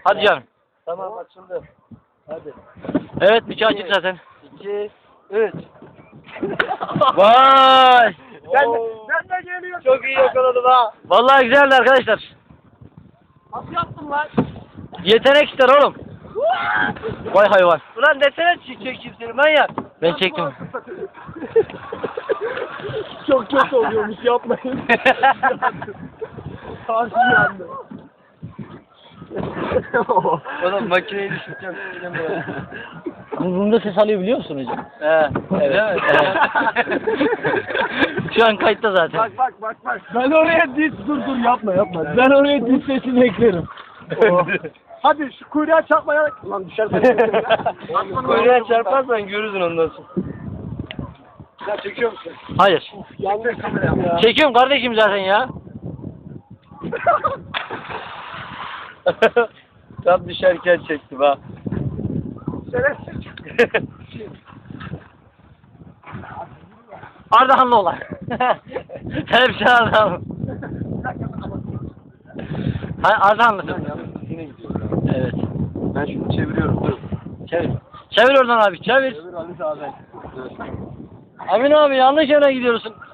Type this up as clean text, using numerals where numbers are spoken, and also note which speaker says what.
Speaker 1: Hadi canım.
Speaker 2: Tamam açıldı. Hadi.
Speaker 1: Evet bıçağı açık zaten.
Speaker 2: 2, 3.
Speaker 1: Vay.
Speaker 2: Ben de geliyorum. Çok iyi yakaladım ha.
Speaker 1: Vallahi güzeldi arkadaşlar.
Speaker 2: Nasıl yaptın lan?
Speaker 1: Yetenek ister oğlum. Vay hayvan.
Speaker 2: Ulan desene çekeyim seni manyak.
Speaker 1: Ben çektim.
Speaker 2: Çok kötü oluyormuş yapmayın. Karşı yandı. Oğlum makineyi düşüreceğim.
Speaker 1: Bunda ses alıyor biliyor musun hocam?
Speaker 2: Evet.
Speaker 1: Evet. Şu an kayıtta zaten.
Speaker 2: Bak. Ben oraya dur yapma. Ben oraya diz sesini eklerim. Hadi şu kuyruğa çarpmaya... Lan düşersen. Kuyruğa çarparsan görürsün ondan sonra. Ya çekiyor musun?
Speaker 1: Hayır.
Speaker 2: Yanlış kamerayı ya.
Speaker 1: Çekiyorum kardeşim zaten ya.
Speaker 2: Tam düşerken çektim ha.
Speaker 1: Ardahanlı olan. Hepsi Ardahanlı. Hayır Ardahanlısın. Evet.
Speaker 2: Ben şunu çeviriyorum. Dur.
Speaker 1: Çevir. Çevir oradan abi çevir.
Speaker 2: Çevir Ali abi.
Speaker 1: Amin abi yanlış yere gidiyorsun.